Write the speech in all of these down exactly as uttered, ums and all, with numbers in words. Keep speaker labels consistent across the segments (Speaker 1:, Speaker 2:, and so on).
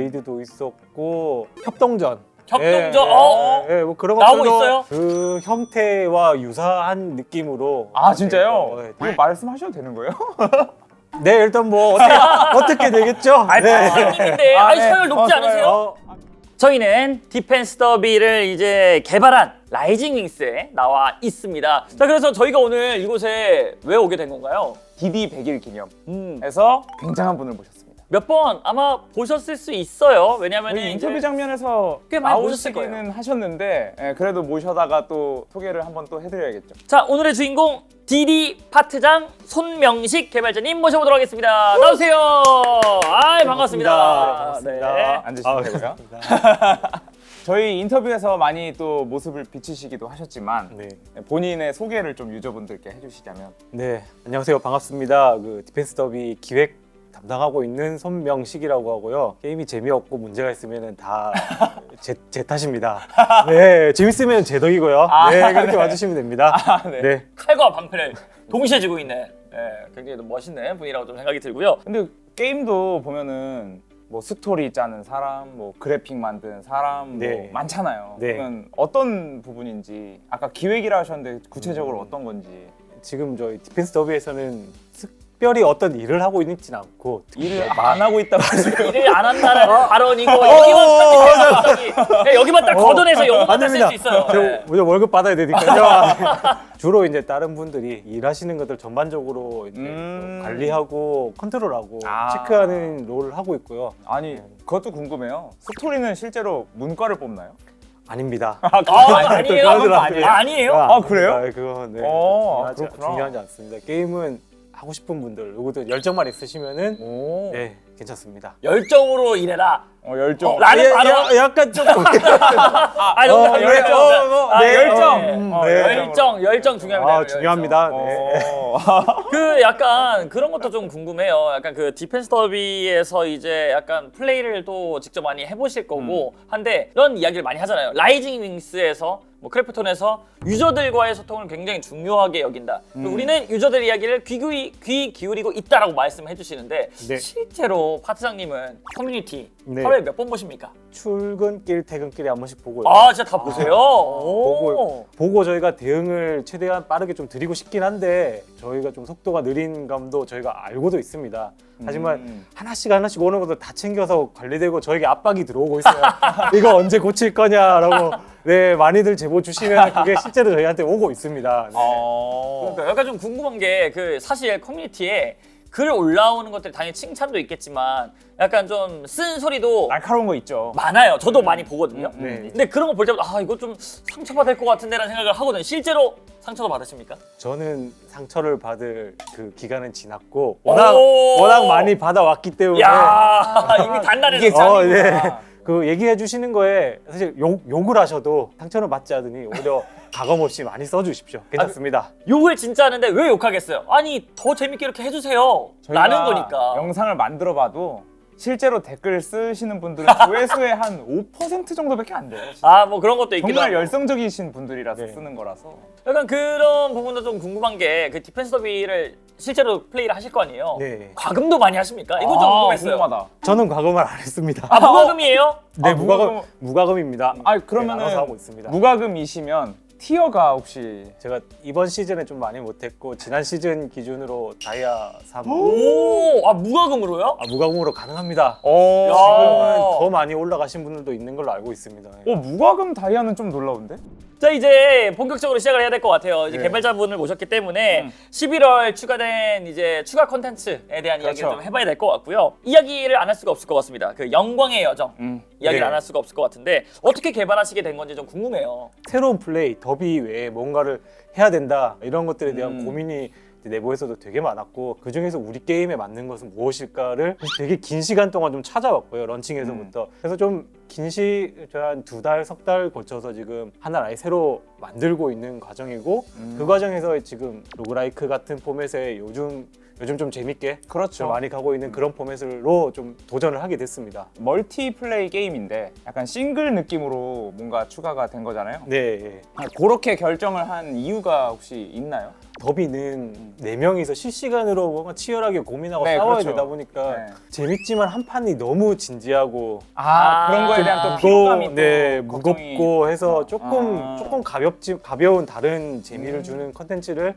Speaker 1: 레이드도 있었고 협동전.
Speaker 2: 협동전?
Speaker 1: 예,
Speaker 2: 어?
Speaker 1: 예, 예, 뭐 그런
Speaker 2: 나오고
Speaker 1: 것들도
Speaker 2: 있어요?
Speaker 1: 그 형태와 유사한 느낌으로.
Speaker 3: 아 진짜요?
Speaker 1: 예,
Speaker 3: 이거 말씀하셔도 되는 거예요?
Speaker 1: 네, 일단 뭐 어떻게, 어떻게 되겠죠?
Speaker 2: 아,
Speaker 1: 네.
Speaker 2: 파트장님인데
Speaker 3: 아,
Speaker 2: 아니
Speaker 3: 네.
Speaker 2: 서열 높지
Speaker 3: 어,
Speaker 2: 않으세요?
Speaker 1: 어,
Speaker 2: 저희는 디펜스 더비를 이제 개발한 라이징 윙스에 나와 있습니다. 자, 그래서 저희가 오늘 이곳에 왜 오게 된 건가요?
Speaker 3: 디디 백 일 기념에서
Speaker 2: 음,
Speaker 3: 굉장한 분을 모셨습니다.
Speaker 2: 몇 번 아마 보셨을 수 있어요. 왜냐면
Speaker 3: 저희 인터뷰 장면에서
Speaker 2: 꽤 많이 보셨을
Speaker 3: 나오시기는 하셨는데 예, 그래도 모셔다가 또 소개를 한번 또 해드려야겠죠.
Speaker 2: 자, 오늘의 주인공 디디 파트장 손명식 개발자님 모셔보도록 하겠습니다. 나오세요. 아, 반갑습니다.
Speaker 1: 반갑습니다.
Speaker 2: 네.
Speaker 3: 앉으시면
Speaker 1: 아,
Speaker 3: 되고요.
Speaker 1: 반갑습니다.
Speaker 3: 저희 인터뷰에서 많이 또 모습을 비치시기도 하셨지만
Speaker 1: 네.
Speaker 3: 본인의 소개를 좀 유저분들께 해주시자면.
Speaker 1: 네, 안녕하세요. 반갑습니다. 그 디펜스 더비 기획 담당하고 있는 손명식이라고 하고요. 게임이 재미없고 문제가 있으면 다 제 제 탓입니다. 네, 재밌으면 제 덕이고요.
Speaker 3: 아,
Speaker 1: 네, 그렇게
Speaker 3: 네.
Speaker 1: 와주시면 됩니다.
Speaker 3: 아, 네.
Speaker 1: 네.
Speaker 2: 칼과 방패를 동시에 쥐고 있는 네, 굉장히 멋있는 분이라고 좀 생각이 들고요.
Speaker 3: 근데 게임도 보면은 뭐 스토리 짜는 사람, 뭐 그래픽 만드는 사람
Speaker 1: 네.
Speaker 3: 뭐 많잖아요.
Speaker 1: 네.
Speaker 3: 그러면 어떤 부분인지 아까 기획이라 하셨는데 구체적으로
Speaker 1: 음.
Speaker 3: 어떤 건지.
Speaker 1: 지금 저희 디펜스 더비에서는 특별히 어떤 일을 하고 있지는 않고
Speaker 3: 일을 안 하고 있다고 하시면
Speaker 2: 일을 안 한다는 발언이고 여기만 딱 갑자기 네, 여기만 딱 걷어내서 영어만 쓸 수 있어요.
Speaker 1: 저
Speaker 2: 네.
Speaker 1: 우리 월급 받아야 되니까요. 주로 이제 다른 분들이 일하시는 것들 전반적으로 이제
Speaker 3: 음.
Speaker 1: 관리하고 컨트롤하고
Speaker 3: 아.
Speaker 1: 체크하는 롤을 하고 있고요.
Speaker 3: 아니 그것도 궁금해요. 스토리는 실제로 문과를 뽑나요?
Speaker 1: 아닙니다.
Speaker 3: 아, 그거
Speaker 2: 아,
Speaker 3: 아니-
Speaker 2: 아니에요?
Speaker 3: 그건 아니에요?
Speaker 2: 아, 아니에요?
Speaker 3: 아, 그래요?
Speaker 1: 아, 그건 네,
Speaker 3: 어,
Speaker 1: 중요하지,
Speaker 3: 그렇구나.
Speaker 1: 중요하지 않습니다. 게임은 하고 싶은 분들, 누구든 열정만 있으시면은
Speaker 3: 오.
Speaker 1: 네, 괜찮습니다.
Speaker 2: 열정으로 일해라.
Speaker 3: 어, 열정.
Speaker 2: 어, 라는
Speaker 1: 예,
Speaker 2: 발언?
Speaker 1: 야, 약간 조금
Speaker 2: 아, 농담,
Speaker 1: 어,
Speaker 2: 열정.
Speaker 1: 어, 어,
Speaker 2: 아,
Speaker 1: 네,
Speaker 3: 열정.
Speaker 2: 네.
Speaker 1: 음,
Speaker 3: 어,
Speaker 1: 네.
Speaker 2: 열정, 열정 중요합니다.
Speaker 1: 아,
Speaker 2: 열정.
Speaker 1: 중요합니다. 네.
Speaker 3: 어.
Speaker 2: 그 약간 그런 것도 좀 궁금해요. 약간 그 디펜스 더비에서 이제 약간 플레이를 또 직접 많이 해보실 거고 한데 이런 이야기를 많이 하잖아요. 라이징 윙스에서 뭐 크래프톤에서 유저들과의 소통을 굉장히 중요하게 여긴다. 그리고
Speaker 3: 음.
Speaker 2: 우리는 유저들 이야기를 귀, 귀, 귀 기울이고 있다라고 말씀해 주시는데
Speaker 1: 네.
Speaker 2: 실제로 파트장님은 커뮤니티
Speaker 1: 네.
Speaker 2: 하루에 몇 번 보십니까?
Speaker 1: 출근길, 퇴근길에 한 번씩 보고요.
Speaker 2: 아, 진짜 다 보세요? 오.
Speaker 1: 보고 보고 저희가 대응을 최대한 빠르게 좀 드리고 싶긴 한데 저희가 좀 속도가 느린 감도 저희가 알고도 있습니다. 하지만
Speaker 3: 음.
Speaker 1: 하나씩 하나씩 오는 것도 다 챙겨서 관리되고 저에게 압박이 들어오고 있어요. 이거 언제 고칠 거냐라고 네 많이들 제보 주시면 그게 실제로 저희한테 오고 있습니다. 네.
Speaker 3: 어.
Speaker 2: 그러니까 약간 좀 궁금한 게 그 사실 커뮤니티에 글 올라오는 것들이 당연히 칭찬도 있겠지만 약간 좀 쓴 소리도
Speaker 3: 날카로운 거 있죠.
Speaker 2: 많아요. 저도 많이 보거든요.
Speaker 3: 음,
Speaker 1: 네.
Speaker 2: 근데 그런 거 볼 때마다 아 이거 좀 상처받을 것 같은데라는 생각을 하거든요. 실제로 상처도 받으십니까?
Speaker 1: 저는 상처를 받을 그 기간은 지났고 워낙
Speaker 2: 오.
Speaker 1: 워낙 많이 받아왔기 때문에
Speaker 2: 야 이미 단단해서
Speaker 3: 이게
Speaker 1: 어,
Speaker 3: 짱이구나.
Speaker 1: 네. 그 얘기해 주시는 거에 사실 욕, 욕을 하셔도 상처는 받지 않으니 오히려 가감 없이 많이 써주십시오. 괜찮습니다.
Speaker 2: 욕을 진짜 하는데 왜 욕하겠어요? 아니 더 재밌게 이렇게 해주세요.
Speaker 3: 저희가
Speaker 2: 라는 거니까.
Speaker 3: 영상을 만들어 봐도 실제로 댓글 쓰시는 분들은 조회수의 한 오 퍼센트 정도밖에 안 돼요. 진짜.
Speaker 2: 아 뭐 그런 것도 있기도
Speaker 3: 정말
Speaker 2: 하고.
Speaker 3: 열성적이신 분들이라서
Speaker 1: 네.
Speaker 3: 쓰는 거라서.
Speaker 2: 약간 그런 부분도 좀 궁금한 게 그 디펜스 더비를 실제로 플레이를 하실 거 아니에요?
Speaker 1: 네.
Speaker 2: 과금도 많이 하십니까? 이거 좀
Speaker 3: 아,
Speaker 2: 궁금했어요.
Speaker 3: 궁금하다.
Speaker 1: 저는 과금을 안 했습니다.
Speaker 2: 아 무과금이에요?
Speaker 1: 네,
Speaker 3: 아,
Speaker 1: 무과금
Speaker 3: 무과금-
Speaker 1: 무과금입니다.
Speaker 3: 아
Speaker 1: 네,
Speaker 3: 그러면은
Speaker 1: 알아서 하고 있습니다.
Speaker 3: 무과금이시면 티어가 혹시
Speaker 1: 제가 이번 시즌에 좀 많이 못했고 지난 시즌 기준으로 다이아 삼
Speaker 2: 오, 아 무과금으로요?
Speaker 1: 아, 무과금으로 가능합니다.
Speaker 3: 어.
Speaker 1: 지금은 더 많이 올라가신 분들도 있는 걸로 알고 있습니다.
Speaker 3: 어 무과금 다이아는 좀 놀라운데?
Speaker 2: 자 이제 본격적으로 시작을 해야 될 것 같아요. 이제
Speaker 3: 네.
Speaker 2: 개발자분을 모셨기 때문에
Speaker 3: 음.
Speaker 2: 십일월 추가된 이제 추가 콘텐츠에 대한 이야기를
Speaker 3: 그렇죠.
Speaker 2: 좀 해봐야 될 것 같고요. 이야기를 안 할 수가 없을 것 같습니다. 그 영광의 여정
Speaker 3: 음.
Speaker 2: 이야기를
Speaker 1: 네.
Speaker 2: 안 할 수가 없을 것 같은데 어떻게 개발하시게 된 건지 좀 궁금해요.
Speaker 1: 새로운 플레이, 더비 외에 뭔가를 해야 된다 이런 것들에 대한
Speaker 3: 음.
Speaker 1: 고민이 내부에서도 되게 많았고 그 중에서 우리 게임에 맞는 것은 무엇일까를 되게 긴 시간 동안 좀 찾아왔고요. 런칭에서부터.
Speaker 3: 음.
Speaker 1: 그래서 좀 긴 시, 한 두 달, 석 달 거쳐서 지금 하나를 아예 새로 만들고 있는 과정이고
Speaker 3: 음.
Speaker 1: 그 과정에서 지금 로그라이크 같은 포맷에 요즘 요즘 좀 재밌게
Speaker 3: 그렇죠.
Speaker 1: 좀 많이 가고 있는 그런 포맷으로 좀 도전을 하게 됐습니다.
Speaker 3: 멀티플레이 게임인데 약간 싱글 느낌으로 뭔가 추가가 된 거잖아요.
Speaker 1: 네.
Speaker 3: 아, 그렇게 결정을 한 이유가 혹시 있나요?
Speaker 1: 더비는 네 명이서 실시간으로 뭔가 치열하게 고민하고
Speaker 3: 네,
Speaker 1: 싸워야
Speaker 3: 그렇죠.
Speaker 1: 되다 보니까
Speaker 3: 네.
Speaker 1: 재밌지만 한 판이 너무 진지하고
Speaker 3: 아,
Speaker 2: 아,
Speaker 3: 그런 거에 대한 또
Speaker 2: 또,
Speaker 3: 피로감이 또
Speaker 1: 네,
Speaker 3: 걱정이-
Speaker 1: 무겁고 해서 조금
Speaker 3: 아.
Speaker 1: 조금 가볍지 가벼운 다른 재미를
Speaker 3: 음.
Speaker 1: 주는 컨텐츠를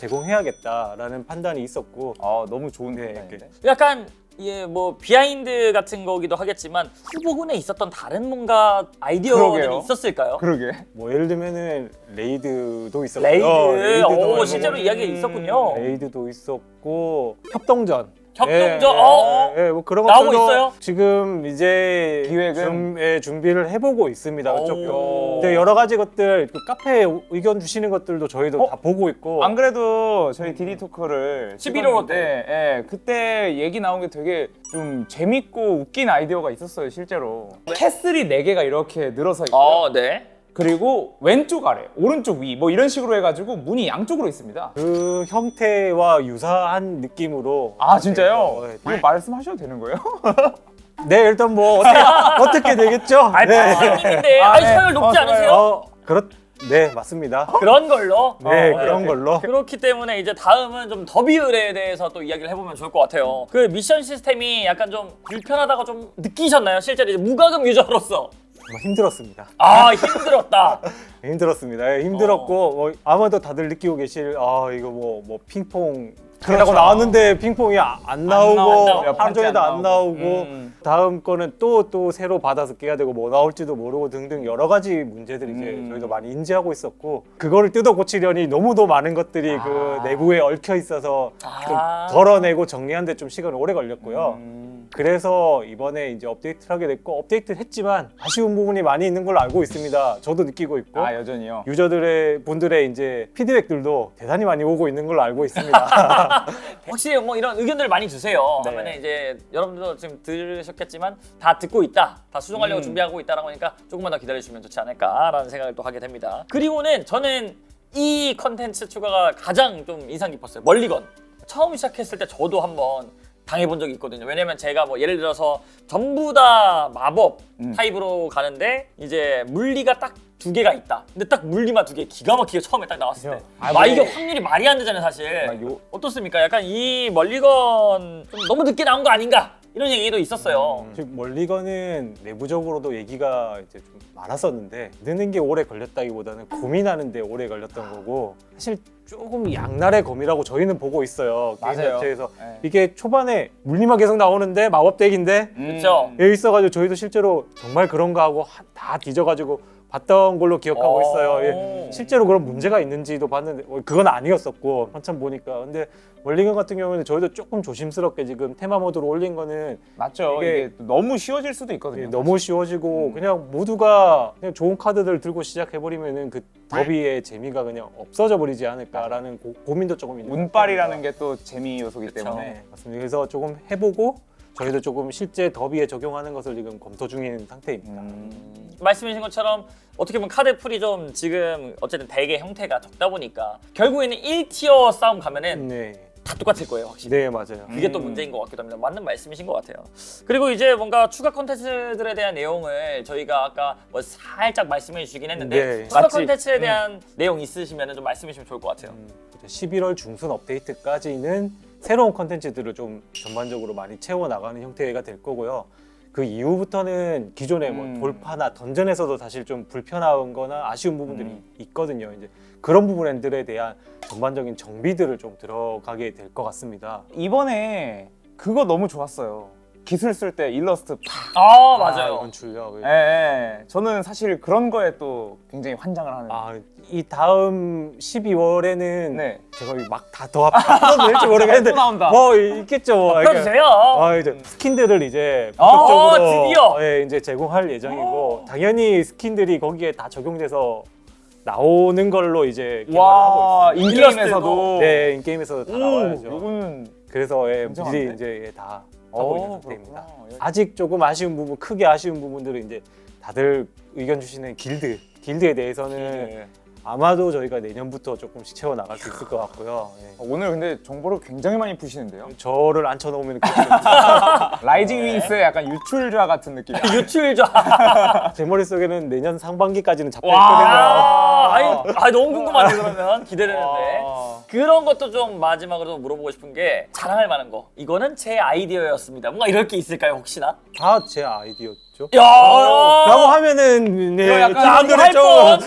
Speaker 1: 제공해야겠다라는 판단이 있었고
Speaker 3: 아, 너무 좋은
Speaker 1: 네,
Speaker 3: 판단인데.
Speaker 2: 약간 예, 뭐 비하인드 같은 거기도 하겠지만 후보군에 있었던 다른 뭔가 아이디어들이
Speaker 3: 그러게요.
Speaker 2: 있었을까요?
Speaker 3: 그러게.
Speaker 1: 뭐 예를 들면은 레이드도 있었고요.
Speaker 2: 레이드,
Speaker 1: 레이드도
Speaker 2: 오
Speaker 1: 해보고,
Speaker 2: 실제로 이야기가 있었군요.
Speaker 1: 레이드도 있었고 협동전.
Speaker 2: 협동전,
Speaker 1: 예,
Speaker 2: 어?
Speaker 1: 예, 예, 뭐 그런
Speaker 2: 나오고
Speaker 1: 것들도
Speaker 2: 있어요?
Speaker 1: 지금 이제
Speaker 3: 기획은?
Speaker 1: 좀, 예, 준비를 해보고 있습니다.
Speaker 2: 오.
Speaker 1: 그쪽. 근데 여러 가지 것들 그 카페에 의견 주시는 것들도 저희도
Speaker 3: 어?
Speaker 1: 다 보고 있고.
Speaker 3: 안 그래도 저희 디디 토크를
Speaker 2: 십일 월
Speaker 3: 때, 예, 그때 얘기 나온 게 되게 좀 재밌고 웃긴 아이디어가 있었어요, 실제로. 캐슬이 네 개가 이렇게 늘어서 있고요.
Speaker 2: 어, 네.
Speaker 3: 그리고 왼쪽 아래, 오른쪽 위, 뭐 이런 식으로 해가지고 문이 양쪽으로 있습니다.
Speaker 1: 그 형태와 유사한 느낌으로.
Speaker 3: 아, 진짜요?
Speaker 1: 네,
Speaker 3: 이거 말씀하셔도 되는 거예요?
Speaker 1: 네, 일단 뭐 어떻게, 어떻게 되겠죠?
Speaker 2: 아,
Speaker 1: 네.
Speaker 2: 선생님인데
Speaker 3: 아,
Speaker 2: 아니
Speaker 3: 네.
Speaker 2: 서열 높지
Speaker 3: 어,
Speaker 2: 않으세요?
Speaker 1: 어, 그렇, 네, 맞습니다.
Speaker 2: 그런 걸로.
Speaker 1: 네,
Speaker 2: 어,
Speaker 1: 그런
Speaker 2: 네.
Speaker 1: 걸로.
Speaker 2: 그렇기 때문에 이제 다음은 좀 더비 의뢰에 대해서 또 이야기를 해보면 좋을 것 같아요. 그 미션 시스템이 약간 좀 불편하다고 좀 느끼셨나요? 실제로 이제 무과금 유저로서.
Speaker 1: 정말 힘들었습니다.
Speaker 2: 아 힘들었다.
Speaker 1: 힘들었습니다. 예, 힘들었고 뭐 아마도 다들 느끼고 계실 아 이거 뭐 뭐 핑퐁
Speaker 3: 그렇죠.
Speaker 1: 라고 나왔는데 핑퐁이 아- 안 나오고
Speaker 2: 나오고,
Speaker 3: 몇
Speaker 1: 하루
Speaker 3: 번째
Speaker 1: 종일도
Speaker 3: 안
Speaker 1: 안
Speaker 3: 나오고.
Speaker 1: 나오고
Speaker 3: 음.
Speaker 1: 다음 거는 또 또 새로 받아서 깨야 되고 뭐 나올지도 모르고 등등 여러 가지 문제들이 이제
Speaker 3: 음.
Speaker 1: 저희도 많이 인지하고 있었고 그거를 뜯어 고치려니 너무도 많은 것들이
Speaker 3: 아.
Speaker 1: 그 내부에 얽혀 있어서 좀
Speaker 2: 아.
Speaker 1: 덜어내고 정리하는데 좀 시간이 오래 걸렸고요.
Speaker 3: 음.
Speaker 1: 그래서 이번에 이제 업데이트를 하게 됐고 업데이트를 했지만 아쉬운 부분이 많이 있는 걸로 알고 있습니다. 저도 느끼고 있고
Speaker 3: 아, 여전히요?
Speaker 1: 유저들의 분들의 이제 피드백들도 대단히 많이 오고 있는 걸로 알고 있습니다.
Speaker 2: 확실히 뭐 이런 의견들을 많이 주세요.
Speaker 3: 네.
Speaker 2: 하면은 이제 여러분들도 지금 들으셨겠지만 다 듣고 있다, 다 수정하려고
Speaker 3: 음.
Speaker 2: 준비하고 있다라고 하니까 조금만 더 기다려주시면 좋지 않을까라는 생각을 또 하게 됩니다. 그리고는 저는 이 컨텐츠 추가가 가장 좀 인상 깊었어요. 멀리건. 처음 시작했을 때 저도 한번 당해본 적이 있거든요. 왜냐면 제가 뭐 예를 들어서 전부 다 마법
Speaker 3: 음.
Speaker 2: 타입으로 가는데 이제 물리가 딱 두 개가 있다. 근데 딱 물리만 두 개 기가 막히게 처음에 딱 나왔을 때.
Speaker 3: 아,
Speaker 2: 아,
Speaker 3: 뭐-
Speaker 2: 이게 확률이 말이 안 되잖아요, 사실.
Speaker 3: 아, 요-
Speaker 2: 어떻습니까? 약간 이 멀리건 좀 너무 늦게 나온 거 아닌가? 이런 얘기도 있었어요.
Speaker 1: 즉 멀리건은 내부적으로도 얘기가 이제 좀 많았었는데 느는 게 오래 걸렸다기보다는 고민하는데 오래 걸렸던 거고 사실 조금 양날의 검이라고 저희는 보고 있어요. 게임
Speaker 3: 맞아요.
Speaker 1: 자체에서
Speaker 3: 네.
Speaker 1: 이게 초반에 물리만 계속 나오는데 마법 덱인데
Speaker 3: 음.
Speaker 2: 그쵸?
Speaker 1: 여기 있어가지고 저희도 실제로 정말 그런가 하고 하- 다 뒤져가지고 봤던 걸로 기억하고
Speaker 2: 어.
Speaker 1: 있어요. 예. 실제로 그런 문제가 있는지도 봤는데 어, 그건 아니었었고 한참 보니까 근데 멀리건 같은 경우는 저희도 조금 조심스럽게 지금 테마 모드로 올린 거는
Speaker 3: 맞죠.
Speaker 1: 이게-
Speaker 3: 이게, 너무 쉬워질 수도 있거든요.
Speaker 1: 예, 너무 쉬워지고
Speaker 3: 음.
Speaker 1: 그냥 모두가 그냥 좋은 카드들 들고 시작해버리면은 그 더비의 재미가 그냥 없어져 버리지 않을까라는 고, 고민도 조금 있는
Speaker 3: 운빨이라는 게 또 재미 요소기
Speaker 2: 그쵸.
Speaker 3: 때문에.
Speaker 1: 네, 맞습니다. 그래서 조금 해보고 저희도 조금 실제 더비에 적용하는 것을 지금 검토 중인 상태입니다.
Speaker 3: 음.
Speaker 2: 말씀해주신 것처럼 어떻게 보면 카드 풀이 좀 지금 어쨌든 덱의 형태가 적다 보니까 결국에는 일 티어 싸움 가면은
Speaker 1: 네,
Speaker 2: 다 똑같을 거예요, 확실히.
Speaker 1: 네 맞아요.
Speaker 2: 그게 또
Speaker 3: 음.
Speaker 2: 문제인 것 같기도 합니다. 맞는 말씀이신 것 같아요. 그리고 이제 뭔가 추가 콘텐츠들에 대한 내용을 저희가 아까 뭐 살짝 말씀해 주시긴 했는데
Speaker 1: 네.
Speaker 2: 추가
Speaker 3: 맞지?
Speaker 2: 콘텐츠에 대한 내용 있으시면 좀 말씀해 주시면 좋을 것 같아요.
Speaker 1: 음, 십일월 중순 업데이트까지는 새로운 컨텐츠들을 좀 전반적으로 많이 채워 나가는 형태가 될 거고요. 그 이후부터는 기존의
Speaker 3: 음.
Speaker 1: 뭐 돌파나 던전에서도 사실 좀 불편한 거나 아쉬운 부분들이
Speaker 3: 음.
Speaker 1: 있거든요. 이제 그런 부분들에 대한 전반적인 정비들을 좀 들어가게 될 것 같습니다.
Speaker 3: 이번에 그거 너무 좋았어요. 기술 쓸 때 일러스트 팍.
Speaker 2: 아 맞아요.
Speaker 1: 연출력.
Speaker 3: 예, 예. 저는 사실 그런 거에 또 굉장히 환장을 하는.
Speaker 1: 아, 이 다음 십이월에는
Speaker 3: 네.
Speaker 1: 제가 막 다 더 합쳐도 될지 모르겠는데
Speaker 3: 또 나온다.
Speaker 1: 뭐 있겠죠. 뭐. 그러니까
Speaker 2: 펴주세요.
Speaker 1: 아 이제 스킨들을 이제
Speaker 2: 아,
Speaker 1: 본격적으로
Speaker 2: 드디어!
Speaker 1: 예, 이제 제공할 예정이고 당연히 스킨들이 거기에 다 적용돼서 나오는 걸로 이제 개발을
Speaker 3: 와,
Speaker 1: 하고 있습니다.
Speaker 3: 인게임에서도.
Speaker 1: 네, 인게임에서 다
Speaker 3: 오,
Speaker 1: 나와야죠.
Speaker 3: 이거는
Speaker 1: 그래서 예,
Speaker 3: 굉장한데?
Speaker 1: 미리 이제 예, 다 하고 있는
Speaker 3: 어,
Speaker 1: 상태입니다.
Speaker 3: 그렇구나.
Speaker 1: 아직 조금 아쉬운 부분, 크게 아쉬운 부분들은 이제 다들 의견 주시는 길드, 길드에 대해서는
Speaker 3: 네.
Speaker 1: 아마도 저희가 내년부터 조금씩 채워 나갈 수 있을 것 같고요. 예.
Speaker 3: 오늘 근데 정보를 굉장히 많이 푸시는데요.
Speaker 1: 저를 앉혀놓으면
Speaker 3: 라이징 윙스의 약간 유출자 같은 느낌.
Speaker 2: 유출자.
Speaker 1: 제 머릿속에는 내년 상반기까지는 잡혀
Speaker 2: 와,
Speaker 1: 있거든요.
Speaker 2: 아, 아니, 아, 너무 궁금하네 그러면 기대되는데.
Speaker 3: 와.
Speaker 2: 그런 것도 좀 마지막으로 물어보고 싶은 게 자랑할 만한 거. 이거는 제 아이디어였습니다. 뭔가 이럴 게 있을까요 혹시나?
Speaker 1: 다 제 아이디어죠.
Speaker 2: 야!
Speaker 1: 라고 하면은 네,
Speaker 3: 이거 약간
Speaker 1: 사람들은
Speaker 2: 할
Speaker 1: 좀
Speaker 2: 뻔!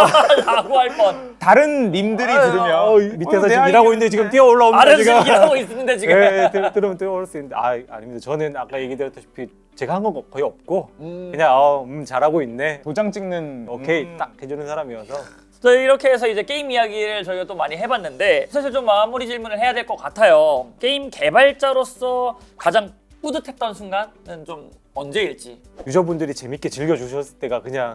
Speaker 2: 라고 할 뻔.
Speaker 3: 다른 님들이 들으면
Speaker 1: 어, 밑에서
Speaker 3: 어, 내
Speaker 1: 지금 일하고 있는데 지금 뛰어 올라옵니다.
Speaker 2: 아래서
Speaker 1: 지금.
Speaker 2: 지금 일하고 있는데 지금.
Speaker 1: 네, 들, 들으면 뛰어 올라올 수 있는데 아 아닙니다. 저는 아까 얘기드렸다시피 제가 한 건 거의 없고
Speaker 2: 음.
Speaker 1: 그냥 어, 음 잘하고 있네.
Speaker 3: 도장 찍는
Speaker 1: 오케이
Speaker 3: 음.
Speaker 1: 딱 해주는 사람이어서
Speaker 2: 자, 이렇게 해서 이제 게임 이야기를 저희가 또 많이 해봤는데 사실 좀 마무리 질문을 해야 될 것 같아요. 게임 개발자로서 가장 뿌듯했던 순간은 좀 언제일지.
Speaker 1: 유저분들이 재밌게 즐겨주셨을 때가 그냥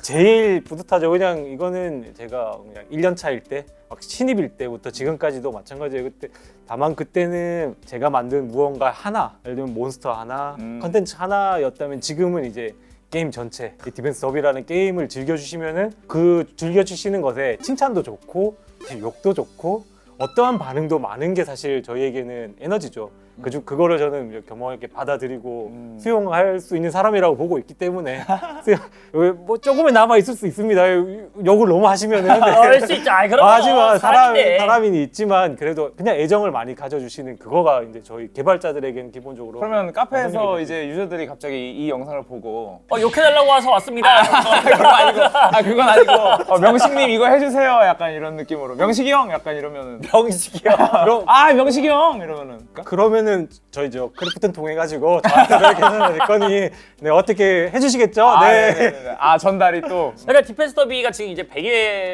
Speaker 1: 제일 뿌듯하죠. 그냥 이거는 제가 그냥 일 년 차일 때, 막 신입일 때부터 지금까지도 마찬가지예요. 그때 다만 그때는 제가 만든 무언가 하나, 예를 들면 몬스터 하나,
Speaker 3: 음.
Speaker 1: 컨텐츠 하나였다면 지금은 이제 게임 전체, 이 디펜스 더비라는 게임을 즐겨주시면은 그 즐겨주시는 것에 칭찬도 좋고 욕도 좋고 어떠한 반응도 많은 게 사실 저희에게는 에너지죠. 그중 그거를 저는 겸허하게 받아들이고
Speaker 3: 음.
Speaker 1: 수용할 수 있는 사람이라고 보고 있기 때문에 수용- 뭐 조금은 남아 있을 수 있습니다. 욕을 너무 하시면은
Speaker 2: 할수 있죠. 아이, 그럼
Speaker 1: 하지만 사람
Speaker 2: 사람인데.
Speaker 1: 사람이 있지만 그래도 그냥 애정을 많이 가져주시는 그거가 이제 저희 개발자들에게는 기본적으로
Speaker 3: 그러면 카페에서
Speaker 1: 완전히
Speaker 3: 이제 유저들이 갑자기 이, 이 영상을 보고
Speaker 2: 어, 욕해달라고 와서 왔습니다.
Speaker 3: 그건 아니고 아 그건 아니고 어, 명식님 이거 해주세요 약간 이런 느낌으로 명식이 형 약간 이러면은
Speaker 2: 병식이요.
Speaker 1: 그럼
Speaker 3: 아 명식이 형 이러면은
Speaker 1: 그러면은 저희 저 크래프튼 통해 가지고 저한테 괜찮을 거니 네 어떻게 해주시겠죠?
Speaker 3: 아,
Speaker 1: 네.
Speaker 3: 네네네. 아 전달이 또
Speaker 2: 그러니까 디펜스 더비가 지금 이제 백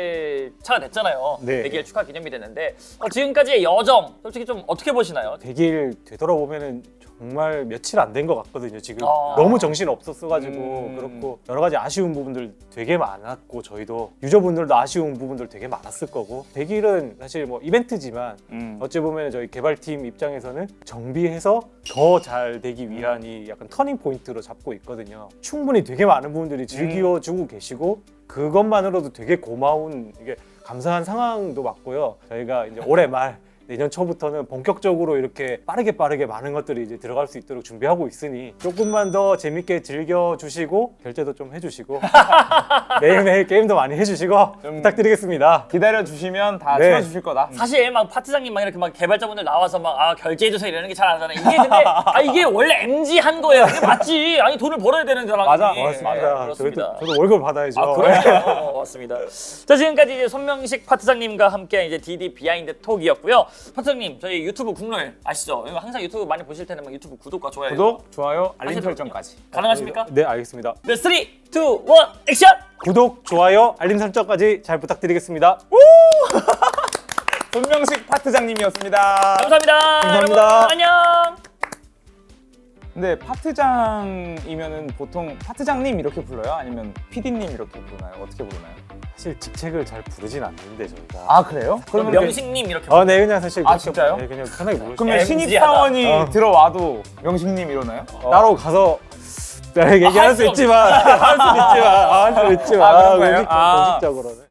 Speaker 2: 일 차가 됐잖아요.
Speaker 1: 네.
Speaker 2: 백 일 축하 기념이 됐는데 어, 지금까지의 여정 솔직히 좀 어떻게 보시나요?
Speaker 1: 백 일 되돌아보면은 정말 며칠 안 된 것 같거든요. 지금
Speaker 2: 아.
Speaker 1: 너무 정신 없었어가지고
Speaker 3: 음.
Speaker 1: 그렇고 여러 가지 아쉬운 부분들 되게 많았고 저희도 유저분들도 아쉬운 부분들 되게 많았을 거고 백 일은 사실 뭐 이벤트지만
Speaker 3: 음.
Speaker 1: 어찌 보면 저희 개발팀 입장에서는 정비해서 더 잘 되기 위한 이 약간 터닝 포인트로 잡고 있거든요. 충분히 되게 많은 분들이 즐겨주고 계시고 그것만으로도 되게 고마운 이게 감사한 상황도 맞고요. 저희가 이제 올해 말 내년 초부터는 본격적으로 이렇게 빠르게 빠르게 많은 것들이 이제 들어갈 수 있도록 준비하고 있으니 조금만 더 재밌게 즐겨주시고 결제도 좀 해주시고 매일매일 게임도 많이 해주시고
Speaker 3: 좀-
Speaker 1: 부탁드리겠습니다.
Speaker 3: 기다려 주시면 다
Speaker 1: 네.
Speaker 3: 채워주실 거다.
Speaker 2: 사실 막 파트장님 막 이렇게 막 개발자분들 나와서 막 아 결제해주세요 이러는 게 잘 안 하잖아요. 이게 근데 아 이게 원래 엠지 한 거예요. 이게 맞지. 아니 돈을 벌어야 되는 사람이.
Speaker 3: 맞아,
Speaker 1: 고맙습니다.
Speaker 2: 네,
Speaker 1: 저희도,
Speaker 2: 그렇습니다.
Speaker 1: 저도 월급 받아야죠.
Speaker 2: 아 그래요? 어, 맞습니다. 자 지금까지 이제 손명식 파트장님과 함께 이제 디디 비하인드 톡이었고요. 파트장님 저희 유튜브 국룰 아시죠? 이거 항상 유튜브 많이 보실 텐데 막 유튜브 구독과 좋아요
Speaker 3: 구독, 좋아요, 알림
Speaker 2: 하시거든요.
Speaker 3: 설정까지.
Speaker 2: 가능하십니까?
Speaker 1: 네 알겠습니다.
Speaker 2: 네, 삼, 이, 일, 액션!
Speaker 1: 구독, 좋아요, 알림 설정까지 잘 부탁드리겠습니다.
Speaker 3: 손명식 파트장님이었습니다.
Speaker 2: 감사합니다.
Speaker 1: 감사합니다.
Speaker 2: 여러분, 안녕.
Speaker 3: 근데 파트장이면은 보통 파트장님 이렇게 불러요? 아니면 피디님 이렇게 부르나요? 어떻게 부르나요?
Speaker 1: 사실 직책을 잘 부르진 않는데 저희가.
Speaker 3: 아 그래요?
Speaker 2: 그럼
Speaker 3: 그러면
Speaker 2: 명식님 이렇게.
Speaker 1: 아, 네 그냥 사실
Speaker 3: 아,
Speaker 1: 그렇게-
Speaker 3: 진짜요?
Speaker 1: 네, 그냥 편하게 부르시죠.
Speaker 3: 그러면
Speaker 2: 엠지하다.
Speaker 3: 신입 사원이
Speaker 1: 어.
Speaker 3: 들어와도 명식님 이러나요?
Speaker 1: 따로 가서 네, 얘기할
Speaker 2: 할
Speaker 1: 수
Speaker 2: 수
Speaker 1: 있지만 할 수 있지만 아, 할 수 있지만
Speaker 3: 아, 그런 거예요?
Speaker 1: 공식,
Speaker 3: 아.
Speaker 1: 공식적으로는.